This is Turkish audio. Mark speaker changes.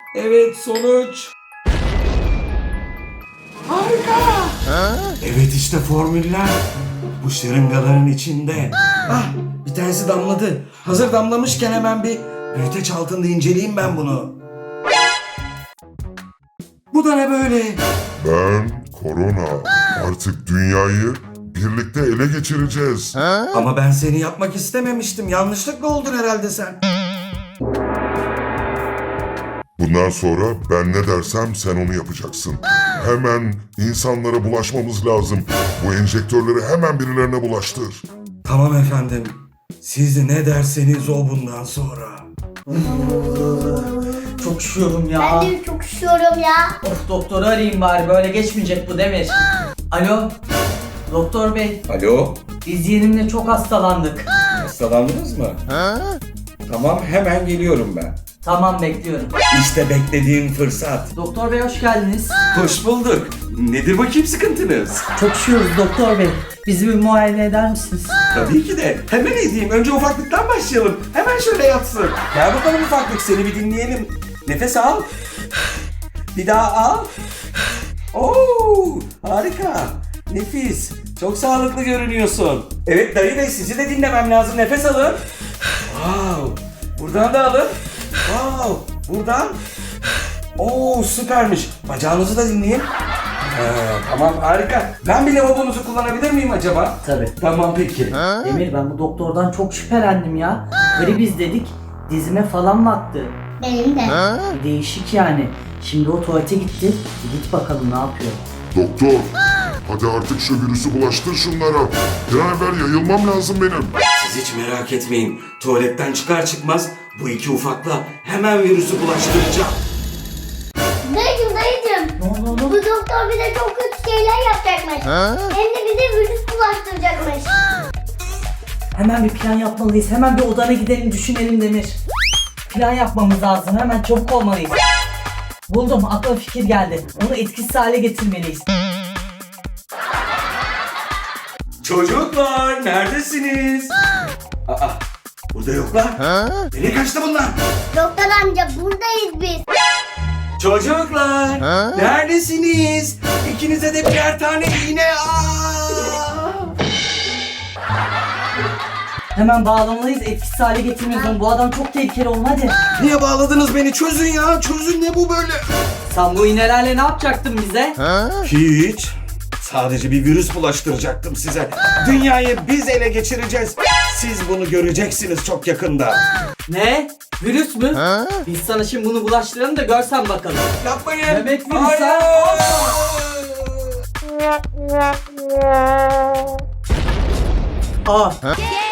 Speaker 1: Evet, sonuç. Harika. Evet, işte formüller. Bu şırıngaların içinde. Ah, bir tanesi damladı. Hazır damlamışken hemen bir büyüteç altında inceleyeyim ben bunu. Bu da ne böyle?
Speaker 2: Ben Korona. Artık dünyayı birlikte ele geçireceğiz.
Speaker 1: Ama ben seni yapmak istememiştim. Yanlışlıkla oldun herhalde sen.
Speaker 2: Bundan sonra ben ne dersem sen onu yapacaksın. Hemen insanlara bulaşmamız lazım. Bu enjektörleri hemen birilerine bulaştır.
Speaker 1: Tamam efendim. Siz ne derseniz o bundan sonra.
Speaker 3: Çok üşüyorum ya.
Speaker 4: Ben de çok üşüyorum ya.
Speaker 3: Of, doktoru arayayım bari, böyle geçmeyecek bu Demir. Alo, doktor bey,
Speaker 1: Alo,
Speaker 3: biz yeğenimle çok hastalandık.
Speaker 1: hastalandınız mı? Tamam, hemen geliyorum ben.
Speaker 3: Tamam, bekliyorum.
Speaker 1: İşte beklediğim fırsat.
Speaker 3: Doktor bey hoş geldiniz.
Speaker 1: Hoş bulduk. Nedir bakayım sıkıntınız?
Speaker 3: Çok üşüyoruz doktor bey. Bizi bir muayene eder misiniz?
Speaker 1: Tabii ki de. Hemen edeyim. Önce ufaklıktan başlayalım. Hemen şöyle yatsın. Gel bakalım ufaklık, seni bir dinleyelim. Nefes al. Bir daha al. Oo, harika. Nefis. Çok sağlıklı görünüyorsun. Evet dayı bey, sizi de dinlemem lazım. Nefes alın. Wow. Buradan da alın. Wow. Buradan. Oo, süpermiş. Bacağınızı da dinleyin. Tamam, harika. Ben bir lavabonuzu kullanabilir miyim acaba?
Speaker 3: Tabii.
Speaker 1: Tamam peki.
Speaker 3: Demir, ben bu doktordan çok şüphelendim ya. Gribiz dedik, dizime falan baktı.
Speaker 4: Benim de.
Speaker 3: Bir değişik yani. Şimdi o tuvalete gitti. Git bakalım ne yapıyor.
Speaker 2: Doktor, hadi artık şu virüsü bulaştır şunlara. Bir an evvel yayılmam lazım benim.
Speaker 1: Siz hiç merak etmeyin. Tuvaletten çıkar çıkmaz bu iki ufakla hemen virüsü bulaştıracağım.
Speaker 4: Dayıcım.
Speaker 3: Ne oldu
Speaker 4: Bu
Speaker 3: oğlum?
Speaker 4: doktor bize çok kötü şeyler yapacakmış. Hem de bize virüs bulaştıracakmış.
Speaker 3: Hemen bir plan yapmalıyız. Hemen bir odana gidelim, düşünelim Demir. Plan yapmamız lazım. Hemen çabuk olmalıyız. Buldum. Aklıma fikir geldi. Onu etkisiz hale getirmeliyiz.
Speaker 1: Çocuklar neredesiniz? Aa, burada yoklar. Nereye kaçtı bunlar?
Speaker 4: Doktor amca buradayız biz.
Speaker 1: Çocuklar neredesiniz? İkinize de birer tane iğne.
Speaker 3: Hemen bağlamalıyız. Etkisiz hale getirmeliyiz onu. Bu adam çok tehlikeli oğlum, hadi.
Speaker 1: Niye bağladınız beni? Çözün ya. Çözün, ne bu böyle?
Speaker 3: Sen bu iğnelerle ne yapacaktın bize?
Speaker 1: Hiç. Sadece bir virüs bulaştıracaktım size. Dünyayı biz ele geçireceğiz. Siz bunu göreceksiniz çok yakında.
Speaker 3: Ne? Virüs mü? Biz sana şimdi bunu bulaştıralım da görsen bakalım.
Speaker 1: Yapmayın.
Speaker 3: Bebek virüsü.
Speaker 1: Hayır.
Speaker 3: Aa,
Speaker 4: Gel.